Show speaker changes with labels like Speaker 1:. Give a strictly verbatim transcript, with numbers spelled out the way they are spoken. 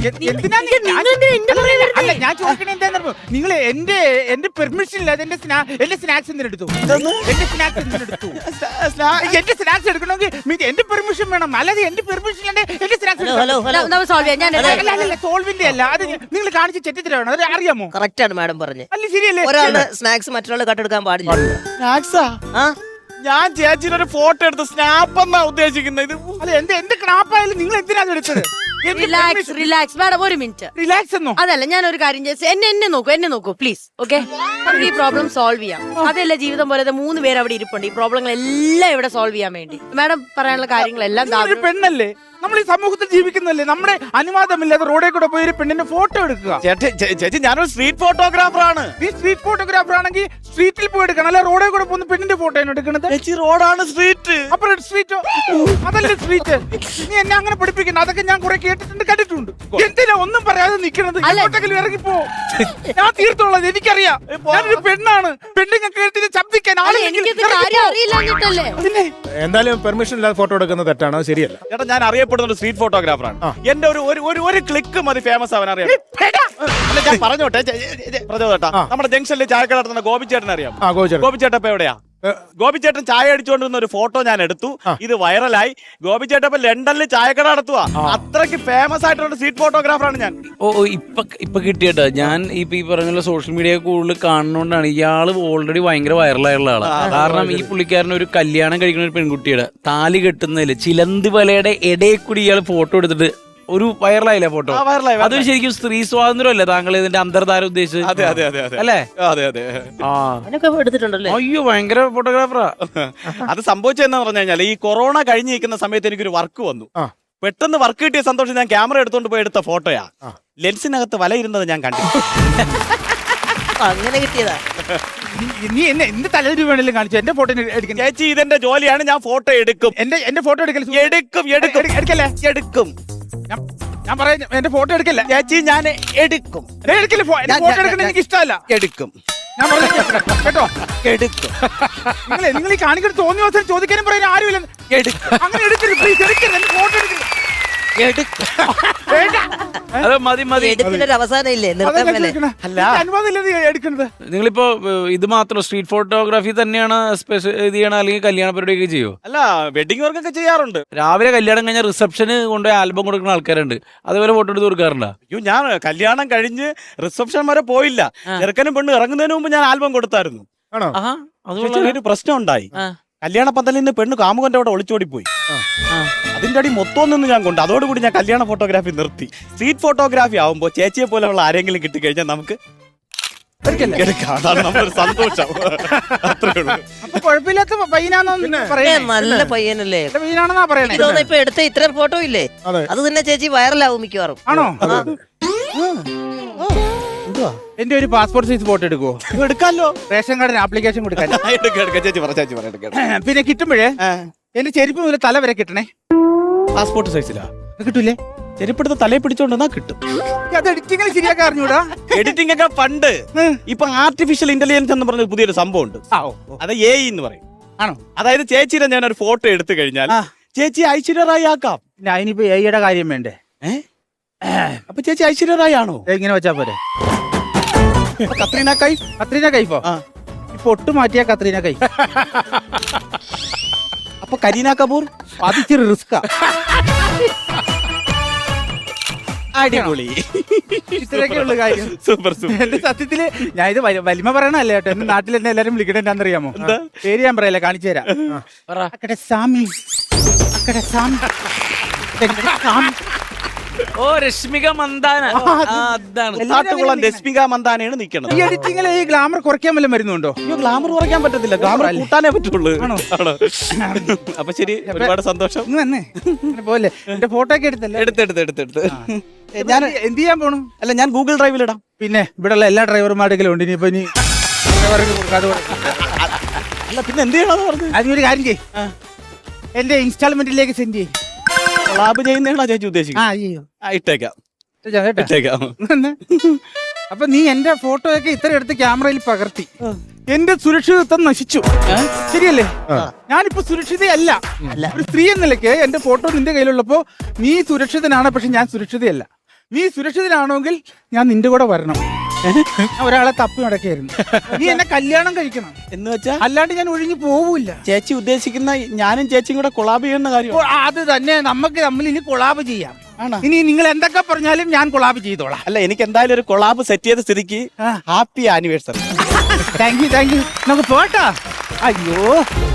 Speaker 1: എന്തിനാ അല്ല ഞാൻ ചോദിക്കണേ എന്താന്ന് നിങ്ങൾ എന്റെ എന്റെ പെർമിഷൻ ഇല്ലാതെ എന്റെ എന്റെ സ്നാക്സ് എന്തിനെടുത്തു എന്റെ സ്നാക്സ് എന്തിനെടുത്തു എന്റെ സ്നാക്സ് എടുക്കണമെങ്കിൽ എന്റെ പെർമിഷൻ വേണം അല്ലാതെ എന്റെ പെർമിഷൻ ഇല്ലാതെ എന്റെ സ്നാക്സ് സോൾവിന്റെ അല്ല അത് നിങ്ങൾ കാണിച്ച് ചെറ്റിത്തരാണ് അത് അറിയാമോ?
Speaker 2: കറക്റ്റ് ആണ് മാഡം പറഞ്ഞത്.
Speaker 1: അല്ല ശരിയല്ലേ?
Speaker 2: ഒരാളുടെ സ്നാക്സ് മറ്റൊരാൾ കട്ടെടുക്കാൻ പാടില്ല.
Speaker 3: സ്നാക്സാ? ഞാൻ ചേച്ചിയുടെ ഒരു ഫോട്ടോ എടുത്ത് സ്നാപ്പ് എന്നാ ഉദ്ദേശിക്കുന്നത്. ഇത്
Speaker 1: അല്ല എന്ത് എന്ത് ക്രാപ്പായാലും നിങ്ങൾ എന്തിനാണ് എടുത്തത്?
Speaker 4: റിലാക്സ് റിലാക്സ് മാഡം ഒരു മിനിറ്റ്.
Speaker 1: റിലാക്സ് എന്നോ?
Speaker 4: അതല്ല ഞാൻ ഒരു കാര്യം ചെയ്ത് എന്നെ എന്നെ നോക്കൂ എന്നെ നോക്കൂ പ്ലീസ്. ഓക്കെ ഈ പ്രോബ്ലം സോൾവ് ചെയ്യാം. അതല്ല ജീവിതം പോലെ മൂന്ന് പേര് അവിടെ ഇരിപ്പുണ്ട്. ഈ പ്രോബ്ലങ്ങൾ എല്ലാം ഇവിടെ സോൾവ് ചെയ്യാൻ വേണ്ടി മാഡം പറയാനുള്ള കാര്യങ്ങളെല്ലാം
Speaker 1: ഒരു പെണ്ണല്ലേ, നമ്മൾ ഈ സമൂഹത്തിൽ ജീവിക്കുന്നല്ലേ, നമ്മുടെ അനുവാദമില്ലാതെ റോഡിൽ കൂടെ പോയി ഒരു പെണ്ണിന്റെ ഫോട്ടോ എടുക്കുക.
Speaker 3: ചേച്ചി ഞാനൊരു സ്ട്രീറ്റ് ഫോട്ടോഗ്രാഫർ ആണ്.
Speaker 1: നീ സ്ട്രീറ്റ് ഫോട്ടോഗ്രാഫർ ആണെങ്കിൽ സ്ട്രീറ്റിൽ പോയി എടുക്കണം, അല്ല റോഡിൽ കൂടെ പോകുന്ന പെണ്ണിന്റെ ഫോട്ടോ ആണ് എടുക്കുന്നത്.
Speaker 3: ചേച്ചി റോഡാണ് സ്ട്രീറ്റ്.
Speaker 1: അപ്പൊ സ്ട്രീറ്റോ? അതല്ലേ സ്ട്രീറ്റ്. നീ എന്നെ അങ്ങനെ പഠിപ്പിക്കണം. അതൊക്കെ ഞാൻ കുറെ കേട്ടിട്ടുണ്ട് കണ്ടിട്ടുണ്ട്. എന്തിനാ ഒന്നും പറയാതെ നിൽക്കുന്നത്? എങ്ങോട്ടെങ്കിലും ഇറങ്ങിപ്പോ, ഞാൻ തീർത്തോളാം. എനിക്കറിയാം ഞാനൊരു പെണ്ണാണ്. പെണ്ണുങ്ങൾ കേട്ടിട്ട് ശബ്ദിക്കാൻ
Speaker 4: അറിയില്ല.
Speaker 5: എന്തായാലും പെർമിഷൻ ഇല്ലാതെ ഫോട്ടോ എടുക്കുന്നത് തെറ്റാണ്, അത് ശരിയല്ല.
Speaker 3: ചേട്ടാ ഞാൻ അറിയപ്പെടുന്ന ഒരു സ്ട്രീറ്റ് ഫോട്ടോഗ്രാഫർ ആണ്. എന്റെ ഒരു ഒരു ഒരു ക്ലിക്ക് മതി ഫേമസ് ആവാൻ. അറിയാം അല്ല ഞാൻ പറഞ്ഞോട്ടെ പറഞ്ഞോട്ടാ, നമ്മുടെ ജംഗ്ഷനിൽ ചായക്കട നടത്തുന്ന ഗോപിച്ചേട്ടൻ അറിയാം. ഗോപിച്ചേട്ടൻ ഇപ്പൊ എവിടെയാ? ഗോപിച്ചേട്ടൻ ചായ അടിച്ചുകൊണ്ടിരുന്ന ഒരു ഫോട്ടോ ഞാൻ എടുത്തു. ഇത് വൈറലായി. ഗോപിച്ചേട്ടൻ ഇപ്പൊ ലണ്ടനിൽ ചായക്കട നടത്തുക. അത്രയ്ക്ക് ഫേമസ് ആയിട്ടുള്ള സ്ട്രീറ്റ് ഫോട്ടോഗ്രാഫറാണ് ഞാൻ.
Speaker 6: ഓ ഇപ്പൊ ഇപ്പൊ കിട്ടിയട്ടോ. ഞാൻ ഇപ്പൊ ഈ പറഞ്ഞ സോഷ്യൽ മീഡിയ കൂടുതൽ കാണുന്നോണ്ടാണ്. ഇയാള് ഓൾറെഡി ഭയങ്കര വൈറലായുള്ള ആളാണ്. കാരണം ഈ പുള്ളിക്കാരൻ ഒരു കല്യാണം കഴിക്കുന്ന ഒരു പെൺകുട്ടിയുടെ താലി കെട്ടുന്നതില് ചിലന്തി വലയുടെ ഇടയിൽ കൂടി ഇയാൾ ഫോട്ടോ എടുത്തിട്ട് ഒരു വൈറലായില്ലേ ഫോട്ടോ? അതൊരു ശരിക്കും സ്ത്രീ സ്വാതന്ത്ര്യം അല്ലേ താങ്കൾ ഇതിന്റെ അന്തർധാര ഉദ്ദേശിച്ചത്?
Speaker 3: അതെ അതെ അതെ
Speaker 6: അല്ലേ?
Speaker 3: അതെ അതെ.
Speaker 6: ആ
Speaker 2: എടുത്തിട്ടുണ്ടല്ലേ?
Speaker 6: അയ്യോ ഭയങ്കര ഫോട്ടോഗ്രാഫറാ.
Speaker 3: അത് സംഭവിച്ചതെന്ന് പറഞ്ഞു കഴിഞ്ഞാൽ ഈ കൊറോണ കഴിഞ്ഞ് നിൽക്കുന്ന സമയത്ത് എനിക്കൊരു വർക്ക് വന്നു. പെട്ടെന്ന് വർക്ക് കിട്ടിയ സന്തോഷം ഞാൻ ക്യാമറ എടുത്തോണ്ട് പോയി എടുത്ത ഫോട്ടോയാ. ലെൻസിനകത്ത് വല ഇരുന്നത് ഞാൻ കണ്ടു.
Speaker 2: അങ്ങനെ കിട്ടിയതാ.
Speaker 1: നീ എന്നെ എന്ത് തലയിൽ വേണേലും കാണിച്ചു എന്റെ ഫോട്ടോ എടുക്കും.
Speaker 3: ചേച്ചി ഇതെന്റെ ജോലിയാണ്. ഞാൻ ഫോട്ടോ എടുക്കും.
Speaker 1: എന്റെ എന്റെ ഫോട്ടോ എടുക്കൽ
Speaker 3: എടുക്കും എടുക്കും എടുക്കല്ലേ എടുക്കും.
Speaker 1: ഞാൻ പറയാം എന്റെ ഫോട്ടോ എടുക്കല്ല
Speaker 3: ചേച്ചി. ഞാൻ എടുക്കും
Speaker 1: എടുക്കില്ല. ഫോട്ടോ എടുക്കണ എനിക്ക് ഇഷ്ടമല്ല.
Speaker 3: എടുക്കും.
Speaker 1: ഞാൻ പറഞ്ഞു കേട്ടോ.
Speaker 3: എടുക്കും.
Speaker 1: നിങ്ങൾ നിങ്ങൾ ഈ കാണിക്കുന്ന തോന്നിയ അവസരം ചോദിക്കാനും പറയാൻ ആരുമില്ല.
Speaker 3: എടുക്കും.
Speaker 1: അങ്ങനെ എടുക്കരുത് പ്ലീസ്. എടുക്കരുത്. എന്റെ ഫോട്ടോ എടുക്കരുത്.
Speaker 6: അത് മതി മതി.
Speaker 2: എടുപ്പിന്റെ അവസാനം ഇല്ലേ?
Speaker 1: എടുക്കുന്നത്
Speaker 6: നിങ്ങളിപ്പോ ഇത് മാത്രം സ്ട്രീറ്റ് ഫോട്ടോഗ്രാഫി തന്നെയാണ് സ്പെഷ്യൽ ഇത് ചെയ്യണം, അല്ലെങ്കിൽ കല്യാണ പരിപാടിയൊക്കെ ചെയ്യോ?
Speaker 3: അല്ല വെഡിങ് വർക്ക് ഒക്കെ ചെയ്യാറുണ്ട്.
Speaker 6: രാവിലെ കല്യാണം കഴിഞ്ഞാൽ റിസപ്ഷന് കൊണ്ടുപോയി ആൽബം കൊടുക്കുന്ന ആൾക്കാരുണ്ട്. അതേപോലെ ഫോട്ടോ എടുത്ത് കൊടുക്കാറുണ്ടോ?
Speaker 3: അയ്യോ ഞാൻ കല്യാണം കഴിഞ്ഞ് റിസപ്ഷൻ വരെ പോയില്ല. ചെറുക്കനും പെണ്ണ് ഇറങ്ങുന്നതിന് മുമ്പ് ഞാൻ ആൽബം കൊടുത്തായിരുന്നു. ഒരു പ്രശ്നം ഉണ്ടായി. കല്യാണ പന്തലിൽ നിന്ന് പെണ്ണ് കാമുകന്റെ അവിടെ ഒളിച്ചോടി പോയി. അതിന്റെ അടി മൊത്തം നിന്ന് ഞാൻ കൊണ്ട് അതോടുകൂടി ഞാൻ കല്യാണ ഫോട്ടോഗ്രാഫി നിർത്തി. സ്ട്രീറ്റ് ഫോട്ടോഗ്രാഫി ആവുമ്പോ ചേച്ചിയെ പോലെയുള്ള ആരെങ്കിലും കിട്ടിക്കഴിഞ്ഞാൽ നമുക്ക് അതാണ് നമ്മുടെ സന്തോഷം. അത്രേ ഉള്ളൂ.
Speaker 1: അപ്പൊ കുഴപ്പമില്ലാത്ത പയ്യനാന്നോ?
Speaker 2: നല്ല പയ്യനല്ലേ?
Speaker 1: പയ്യനാണെന്നാ പറയണേ.
Speaker 2: ഇപ്പൊ എടുത്ത ഇത്രയും ഫോട്ടോ ഇല്ലേ, അത് തന്നെ ചേച്ചി വൈറലാവും മിക്കവാറും.
Speaker 1: ആണോ? എന്റെ ഒരു പാസ്പോർട്ട് സൈസ് ഫോട്ടോ എടുക്കുവോ?
Speaker 3: എടുക്കാമല്ലോ.
Speaker 1: റേഷൻ കാർഡിന് ആപ്ലിക്കേഷൻ കൊടുക്കാൻ.
Speaker 3: ചേച്ചി പറ ചേച്ചി പറ.
Speaker 1: പിന്നെ കിട്ടുമ്പോഴേ എന്റെ ചെരുപ്പ് മുതൽ തല വരെ കിട്ടണേ.
Speaker 3: പാസ്പോർട്ട് സൈസിലാ
Speaker 1: കിട്ടൂലേ?
Speaker 3: ചെരുപ്പെടുത്ത് തലയെ പിടിച്ചോണ്ടെന്നാ കിട്ടും.
Speaker 1: അത് എഡിറ്റിംഗ് ശരിയാക്കാൻ അറിഞ്ഞൂടാ.
Speaker 3: എഡിറ്റിംഗ് ഒക്കെ പണ്ട്. ഇപ്പൊ ആർട്ടിഫിഷ്യൽ ഇന്റലിജൻസ് എന്ന് പറഞ്ഞ പുതിയൊരു സംഭവം ഉണ്ട്. അത് എ ഐ എന്ന് പറയും.
Speaker 1: ആണോ?
Speaker 3: അതായത് ചേച്ചിയുടെ ഞാൻ ഒരു ഫോട്ടോ എടുത്തു കഴിഞ്ഞാൽ ചേച്ചി ഐശ്വര്യ റായി ആക്കാം.
Speaker 1: അതിനിപ്പോ എയുടെ കാര്യം വേണ്ടേ?
Speaker 3: അപ്പൊ ചേച്ചി ഐശ്വര്യ റായി ആണോ?
Speaker 1: ഇങ്ങനെ വെച്ചാ പോരെ?
Speaker 3: കത്രീന കൈഫ്.
Speaker 1: കത്രീന കൈഫോ? ഇപ്പൊ ഒട്ടു മാറ്റിയ കത്രീന കൈഫ്.
Speaker 3: അപ്പൊ കരീന കപൂർ?
Speaker 1: അത് ഇച്ചിരി റിസ്കാ.
Speaker 3: അടിപൊളി.
Speaker 1: ഇത്രയൊക്കെയുള്ള കാര്യം.
Speaker 3: Super super.
Speaker 1: എന്റെ സത്യത്തില് ഞാൻ ഇത് വലിമ പറയണല്ലേ കേട്ടോ. എന്റെ നാട്ടിൽ എന്നെ എല്ലാരും വിളിക്കണേ എന്താണെന്നറിയാമോ? പേര് ഞാൻ പറയല്ലേ, കാണിച്ചു തരാം. അക്കടെ സാമി, അക്കടെ സാമി, സാമി.
Speaker 6: ഓ രശ്മിക മന്ദാന. അതാണ്
Speaker 3: കാട്ടുകുളം രശ്മിക മന്ദാനയാണ് നിൽക്കുന്നത്.
Speaker 1: ഈ എഡിറ്റിംഗിൽ ഈ ഗ്ലാമർ കുറയ്ക്കാൻ വല്ലതും വരുന്നുണ്ടോ?
Speaker 3: അയ്യോ ഗ്ലാമർ കുറയ്ക്കാൻ പറ്റത്തില്ല, ഗ്ലാമർ കൂട്ടാനേ പറ്റുള്ളൂ. അപ്പൊ ശരി, ഒരുപാട് സന്തോഷം.
Speaker 1: പോലെ എന്റെ ഫോട്ടോ ഒക്കെ എടുത്തല്ലേ?
Speaker 3: എടുത്തെടുത്ത് എടുത്തെടുത്ത്
Speaker 1: ഞാൻ എന്ത് ചെയ്യാൻ പോണു?
Speaker 3: അല്ല ഞാൻ ഗൂഗിൾ ഡ്രൈവിൽ ഇടാം.
Speaker 1: പിന്നെ ഇവിടെയുള്ള എല്ലാ ഡ്രൈവർമാരുടെയും ഉണ്ട്. ഇനിയിപ്പോ ഇനി
Speaker 3: അല്ല പിന്നെ എന്ത് ചെയ്യണമെന്ന് പറഞ്ഞു.
Speaker 1: അതിനൊരു കാര്യം ചെയ്യ്, എന്റെ ഇൻസ്റ്റാൾമെന്റിലേക്ക് സെൻഡ് ചെയ്യും.
Speaker 3: ലാബ് ചെയ്യുന്നതാണോ ചേച്ചി ഉദ്ദേശിക്കുന്നത്? ഇട്ടേക്കാം ഇട്ടേക്കാം.
Speaker 1: അപ്പൊ നീ എന്റെ ഫോട്ടോ ഒക്കെ ഇത്ര എടുത്ത് ക്യാമറയിൽ പകർത്തി എന്റെ സുരക്ഷിതത്വം നശിച്ചു. ശരിയല്ലേ? ഞാനിപ്പോ സുരക്ഷിതയല്ല. ഒരു സ്ത്രീ എന്ന നിലയ്ക്ക് എന്റെ ഫോട്ടോ നിന്റെ കയ്യിലുള്ളപ്പോ നീ സുരക്ഷിതനാണ്, പക്ഷെ ഞാൻ സുരക്ഷിതയല്ല. നീ സുരക്ഷിതനാണെങ്കിൽ ഞാൻ നിന്റെ കൂടെ വരണം. ഞാൻ ഒരാളെ തപ്പി നടക്കായിരുന്നു. നീ എന്നെ കല്യാണം കഴിക്കണം
Speaker 3: എന്ന് വെച്ചാ
Speaker 1: അല്ലാണ്ട് ഞാൻ ഒഴിഞ്ഞു പോവില്ല.
Speaker 3: ചേച്ചി ഉദ്ദേശിക്കുന്ന ഞാനും ചേച്ചിയും കൂടെ കൊളാബ് ചെയ്യുന്ന കാര്യം
Speaker 1: ഓ, അത് തന്നെ നമുക്ക് തമ്മിൽ ഇനി കൊളാബ് ചെയ്യാം. ഇനി നിങ്ങൾ എന്തൊക്കെ പറഞ്ഞാലും ഞാൻ കൊളാബ് ചെയ്തോളാം.
Speaker 3: അല്ല എനിക്ക് എന്തായാലും ഒരു കൊളാബ് സെറ്റ് ചെയ്ത സ്ഥിതിക്ക് happy anniversary.
Speaker 1: Thank you thank you നമുക്ക് പോട്ടാ. അയ്യോ